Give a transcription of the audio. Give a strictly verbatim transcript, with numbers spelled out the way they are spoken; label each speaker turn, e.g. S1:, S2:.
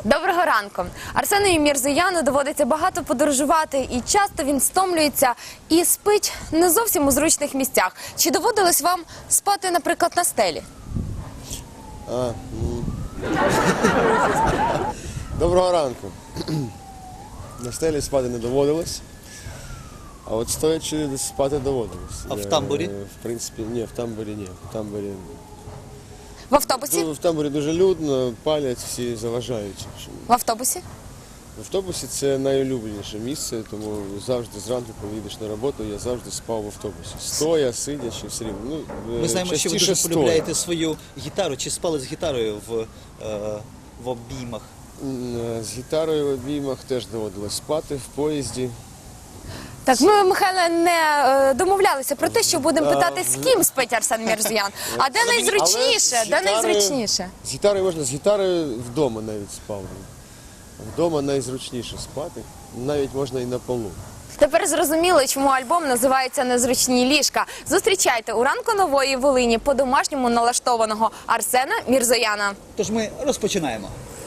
S1: Доброго ранку. Арсену Мірзояну доводиться багато подорожувати, і часто він стомлюється і спить не зовсім у зручних місцях. Чи доводилось вам спати, наприклад, на стелі?
S2: А, ну... Доброго ранку. На стелі спати не доводилось, а от стоячи спати доводилось.
S3: А в тамбурі?
S2: В принципі, ні, в тамбурі ні. В тамбурі,
S1: В автобусі?
S2: в тамбурі дуже людно, палять, всі заважають.
S1: В автобусі?
S2: В автобусі це найулюбленіше місце, тому завжди зранку, коли їдеш на роботу, я завжди спав в автобусі. Стоя, сидячи, все рівно. Ну,
S3: Ми знаємо, що ви
S2: частіше
S3: дуже
S2: стоя.
S3: полюбляєте свою гітару. Чи спали з гітарою в, е, в обіймах?
S2: М, З гітарою в обіймах теж доводилось спати в поїзді.
S1: Так, ми, Михайле, не е, домовлялися про те, що будемо питати, з ким спить Арсен Мірзоян. А де найзручніше?
S2: Але з
S1: Де
S2: гітарою-
S1: найзручніше?
S2: З гітарою можна, з гітарою вдома навіть спав. Вдома найзручніше спати, навіть можна і на полу.
S1: Тепер зрозуміло, чому альбом називається «Незручні ліжка». Зустрічайте у ранку Нової Волині по-домашньому налаштованого Арсена Мірзояна.
S3: Тож ми розпочинаємо.